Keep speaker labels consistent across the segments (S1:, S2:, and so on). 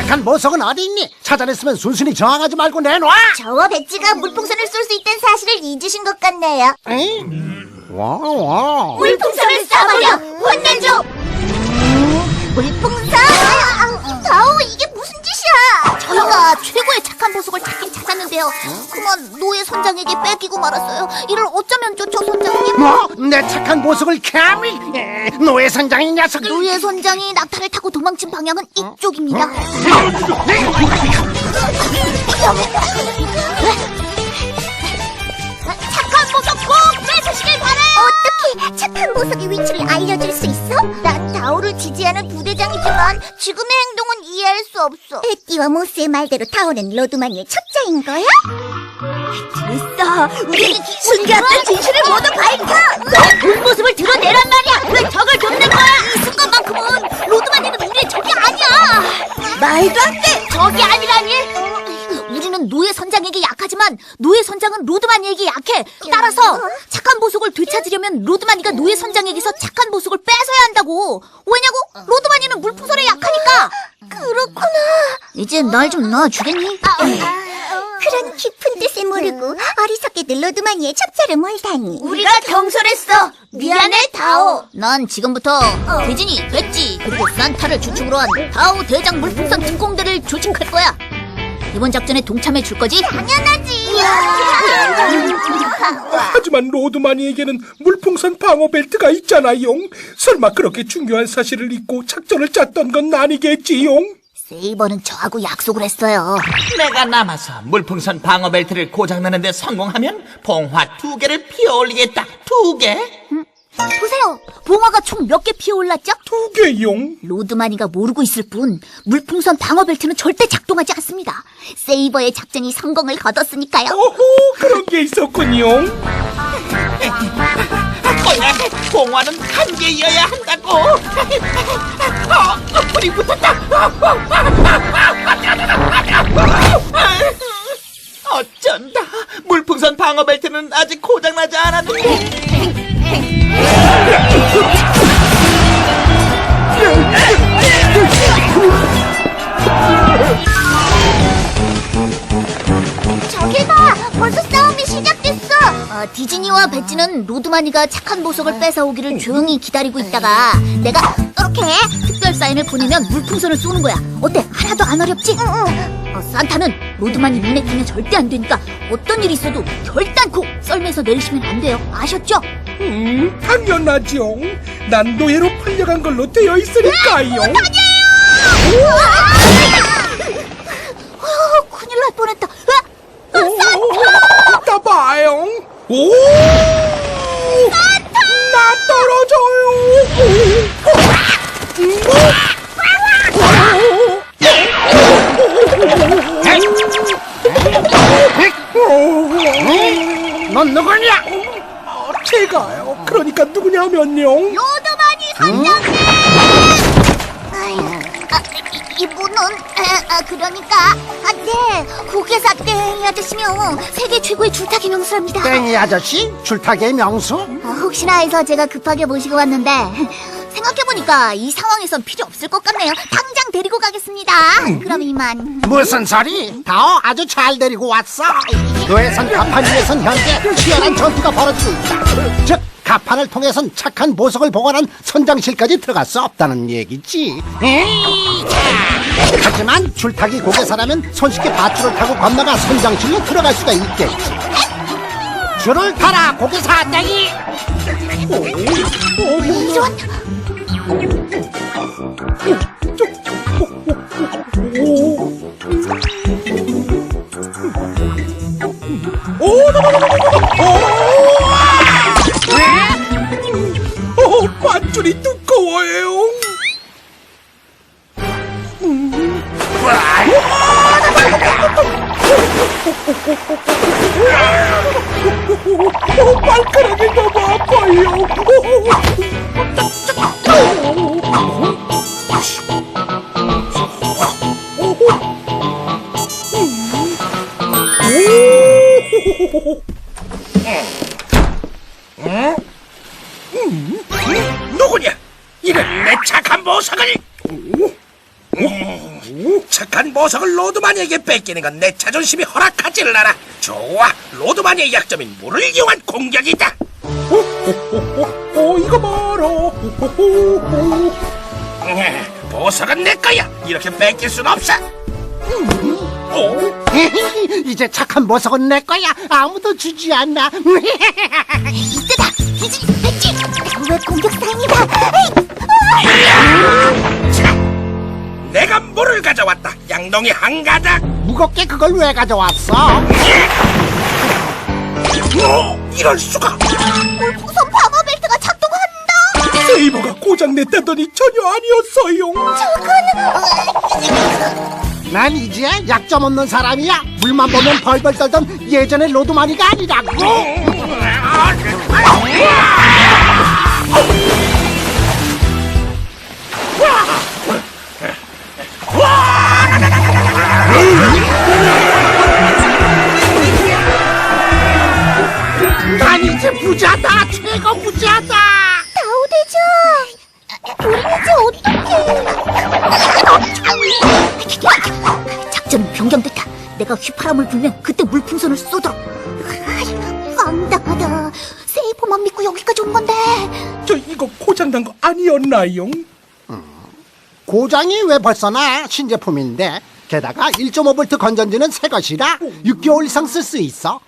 S1: 착한 보석은 어디 있니? 찾아냈으면 순순히 저항하지 말고 내놔.
S2: 저와 배지가 물풍선을 쏠 수 있다는 사실을 잊으신 것 같네요.
S1: 와.
S2: 물풍선을 쏴버려! 혼내줘! 물풍선! 다오, 이게 무슨 짓이야? 저희가 최고의 착한 보석을 찾긴 찾았는데요. 그만 노예 선장에게 뺏기고 말았어요. 이를 어쩌면 좋죠, 선장님?
S1: 뭐? 내 착한 보석을 감히? 노예 선장이 녀석.
S2: 노예 선장이 낙타를 타고 도망친 방향은 이쪽입니다. 착한 보석 꼭 뺏으시길 바래요! 어떻게 착한 보석의 위치를 알려줄 수 있어? 난 다오를 지지하는 부대장이지만 지금의 행동은 이해할 수 없어. 에띠와 모스의 말대로 다오는 로드마니의 첩자인 거야? 됐어. 우리 숨겨왔던 진실을 모두 밝혀! 본 모습을 드러내란 말이야! 왜 적을 돕는 거야? 이 순간만큼은 로드마니는 우리의 적이 아니야! 말도 안 돼! 적이 아니라니? 우리는 노예 선장에게 약하지만 노예 선장은 로드마니에게 약해. 따라서 착한 보석을 되찾으려면 로드마니가 노예 선장에게서 착한 보석을 뺏어야 한다고. 왜냐고? 로드마니는 물풍선에 약하니까. 그렇구나. 이제 날 좀 놔주겠니? 그런 깊은 뜻을 모르고 어리석게들 로드마니의 첩자를 몰다니. 우리가 경솔했어. 미안해, 다오. 난 지금부터 대진이, 배지, 그리고 산타를 주축으로 한 다오 대장 물풍선 특공대를 조직할 거야. 이번 작전에 동참해 줄 거지? 당연하지.
S3: 하지만 로드마니에게는 물풍선 방어 벨트가 있잖아용. 설마 그렇게 중요한 사실을 잊고 작전을 짰던 건 아니겠지용?
S2: 세이버는 저하고 약속을 했어요.
S4: 내가 남아서 물풍선 방어 벨트를 고장내는데 성공하면 봉화 2개를 피어올리겠다. 2개?
S2: 보세요. 봉화가 총 몇 개 피어올랐죠?
S3: 2개용.
S2: 로드마니가 모르고 있을 뿐 물풍선 방어 벨트는 절대 작동하지 않습니다. 세이버의 작전이 성공을 거뒀으니까요.
S3: 오호, 그런 게 있었군요.
S4: 뭐야, 봉화는 1개여야 한다고. 불이 붙었다. 어쩐다. 물풍선 방어 벨트는 아직 고장나지 않았는데.
S2: 저길 봐! 벌써 싸움이 시작됐어! 디즈니와 배지는 로드마니가 착한 보석을 뺏어오기를 조용히 기다리고 있다가 내가 이렇게 특별 사인을 보내면 물풍선을 쏘는 거야. 어때? 하나도 안 어렵지? 산타는 로드마니 눈에 띄면 절대 안 되니까 어떤 일이 있어도 결단코 썰매에서 내리시면 안 돼요. 아셨죠?
S3: 당연하죠. 난 노예로 팔려간 걸로 되어 있으니까요.
S2: 큰일 날 뻔했다.
S3: 이따 봐요. 오! 산타! 나 떨어져요.
S1: 넌 누구냐?
S3: 제가요. 그러니까 누구냐면요.
S2: 로드마니 선장님! 이분은 그러니까 네, 고개사 땡이 아저씨며 세계 최고의 줄타기 명수랍니다.
S1: 땡이 아저씨? 줄타기의 명수?
S2: 혹시나 해서 제가 급하게 모시고 왔는데 생각해보니까 이 상황에선 필요 없을 것 같네요. 당장 데리고 가겠습니다. 그럼 이만.
S1: 무슨 소리? 다오 아주 잘 데리고 왔어. 노예선 가판 위에선 현재 치열한 전투가 벌어지고 있다. 즉 가판을 통해선 착한 보석을 보관한 선장실까지 들어갈 수 없다는 얘기지. 하지만 줄타기 고개사라면 손쉽게 밧줄을 타고 건너가 선장실로 들어갈 수가 있겠지. 줄을 타라 고개사 땡이.
S2: 이런.
S3: 밧줄이 두꺼워요. 발가락이 너무 아파요. 누구냐? 이런 내 착한 보석을! 착한 보석을 로드마니에게 뺏기는 건 내 자존심이 허락하지를 않아. 좋아, 로드마니의 약점인 물을 이용한 공격이다. 이거 봐라. 보석은 내 거야. 이렇게 뺏길 순 없어.
S1: 이제 착한 보석은 내 거야. 아무도 주지 않아.
S2: 이때다. 기지, 백지. 왜 공격 사인이다.
S3: 내가 물을 가져왔다. 양동이 한 가닥.
S1: 무겁게 그걸 왜 가져왔어?
S3: 이럴 수가.
S2: 물풍선 방어 벨트가 작동한다.
S3: 세이버가 고장냈다더니 전혀 아니었어요.
S1: 난 이제 약점 없는 사람이야. 물만 보면 벌벌 떨던 예전의 로드마니가 아니라고. 난 이제 부자다. 최고 부자다.
S2: 다오대장, 우리 이제 어떡해. 작전은 변경됐다. 내가 휘파람을 불면 그때 물풍선을 쏘도록. 황당하다. 세이버만 믿고 여기까지 온 건데.
S3: 저 이거 고장난 거 아니었나요?
S1: 고장이 왜 벌써 나? 신제품인데. 게다가 1.5V 건전지는 새 것이라 6개월 이상 쓸 수 있어.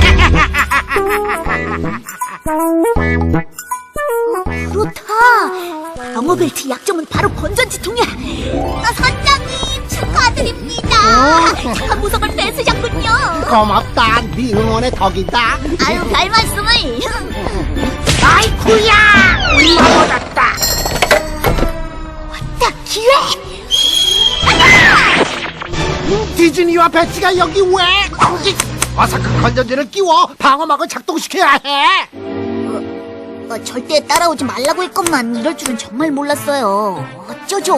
S2: 그렇다. 방어벨트 약점은 바로 건전지통이야. 선장님 축하드립니다. 착한 보석을 뺏으셨군요.
S1: 고맙다. 네 응원의 덕이다.
S2: 아유, 별 말씀을.
S1: 아이쿠야! 올라버렸다.
S2: 왔다, 기회.
S1: 디즈니와 배치가 여기 왜? 어서 그 건전지를 끼워 방어막을 작동시켜야 해.
S2: 절대 따라오지 말라고 했건만 이럴 줄은 정말 몰랐어요. 어쩌죠?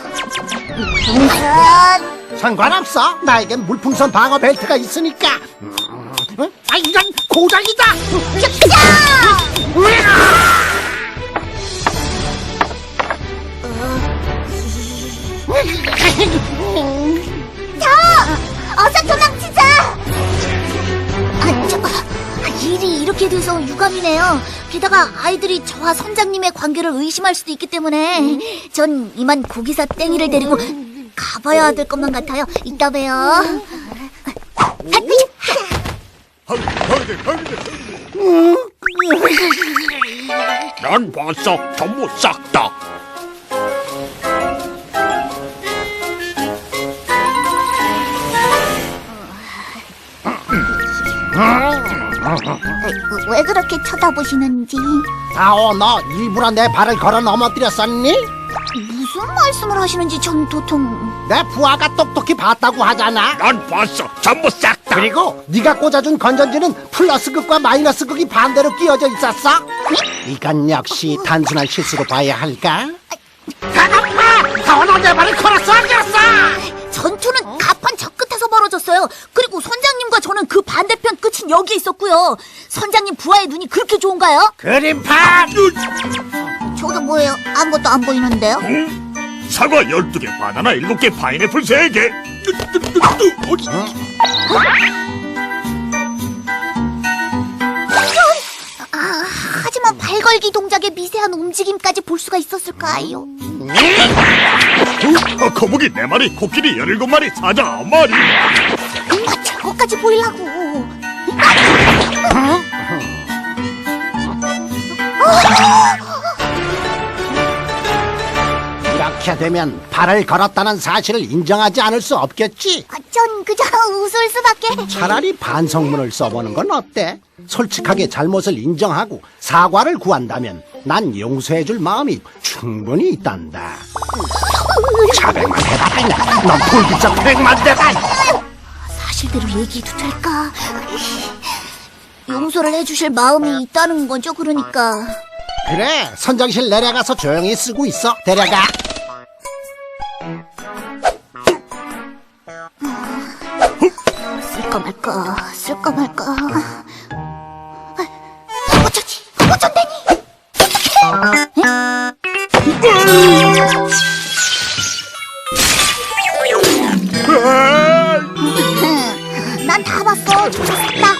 S2: 물풍선.
S1: 상관없어. 나에겐 물풍선 방어 벨트가 있으니까. 아, 이건 고장이다.
S2: 어서 도망치자. 일이 이렇게 돼서 유감이네요. 게다가 아이들이 저와 선장님의 관계를 의심할 수도 있기 때문에 전 이만 고기사 땡이를 데리고 가봐야 될 것만 같아요. 이따 봬요.
S5: 난 봤어. 전부 싹 다.
S2: 왜 그렇게 쳐다보시는지.
S1: 아오, 너 일부러 내 발을 걸어 넘어뜨렸었니?
S2: 무슨 말씀을 하시는지 전 도통.
S1: 내 부하가 똑똑히 봤다고 하잖아.
S5: 난 봤어. 전부 싹 다.
S1: 그리고 네가 꽂아준 건전지는 플러스 극과 마이너스 극이 반대로 끼어져 있었어. 이건 역시 단순한 실수로 봐야 할까? 가갑파! 다원아, 내 발을 걸었어, 안 걸었어?
S2: 전투는 가판 저 끝에서 벌어졌어요. 그리고 선장님과 저는 그 반대편 끝인 여기에 있었고요. 선장님 부하의 눈이 그렇게 좋은가요?
S1: 그림판!
S2: 저도 뭐예요? 아무것도 안 보이는데요?
S5: 사과 12개, 바나나 7개, 파인애플 3개.
S2: 하지만 발걸기 동작의 미세한 움직임까지 볼 수가 있었을까요?
S5: 거북이 4마리, 코끼리 17마리, 사자 9마리.
S2: 저거까지 보이려고.
S1: 이렇게 되면 발을 걸었다는 사실을 인정하지 않을 수 없겠지?
S2: 전 그저 웃을 수밖에.
S1: 차라리 반성문을 써보는 건 어때? 솔직하게 잘못을 인정하고 사과를 구한다면 난 용서해줄 마음이 충분히 있단다. 자백만 해봐라. 넌 불기적 100만 대다.
S2: 사실대로 얘기해도 될까? 용서를 해주실 마음이 있다는 거죠, 그러니까.
S1: 그래, 선장실 내려가서 조용히 쓰고 있어. 데려가.
S2: 쓸까 말까, 쓸까 말까. 어쩌지? 어쩐다니? 어떡해? 다 봤어. 좋았다.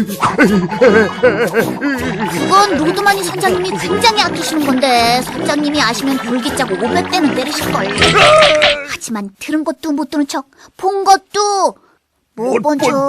S2: 그건 로드마니 선장님이 굉장히 아끼시는 건데 선장님이 아시면 돌기짜고 500대는 때리실걸. 하지만 들은 것도 못 들은 척, 본 것도 못 본 척.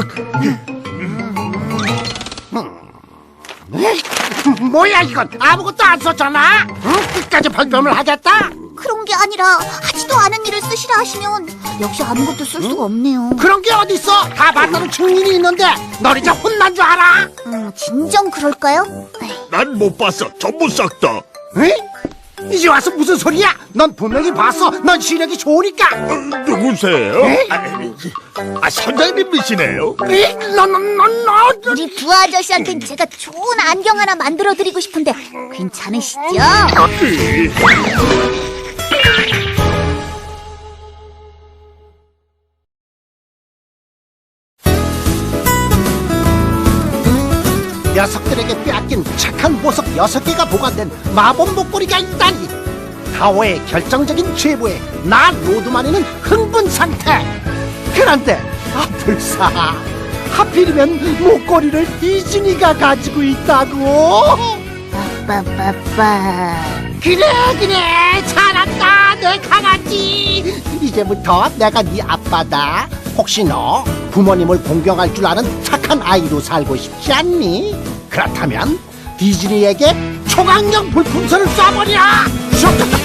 S1: 뭐야 이건 아무것도 안 썼잖아. 응? 끝까지 발뺌을 하겠다.
S2: 그런 게 아니라 하지도 않은 일을 쓰시라 하시면 역시 아무것도 쓸 수가 없네요.
S1: 그런 게 어딨어? 다 봤다는 증인이 있는데 널 이제 혼난 줄 알아?
S2: 진정 그럴까요? 에이,
S5: 난 못 봤어. 전부 싹 다.
S1: 응? 이제 와서 무슨 소리야? 넌 분명히 봤어. 넌 시력이 좋으니까.
S5: 누구세요?
S1: 에?
S5: 선장님이시네요.
S1: 너.
S2: 우리 부하 아저씨한텐 제가 좋은 안경 하나 만들어드리고 싶은데 괜찮으시죠?
S1: 녀석들에게 빼앗긴 착한 보석 6개가 보관된 마법 목걸이가 있다니. 타워의 결정적인 제보에 나 로드마니는 흥분 상태. 그런데 불사 하필이면 목걸이를 디즈니가 가지고 있다고.
S2: 빠빠빠.
S1: 그래 잘한다 내 강아지. 이제부터 내가 네 아빠다. 혹시 너 부모님을 공경할 줄 아는 착한 아이로 살고 싶지 않니? 그렇다면 디즈니에게 초강력 물풍선을 쏴버려.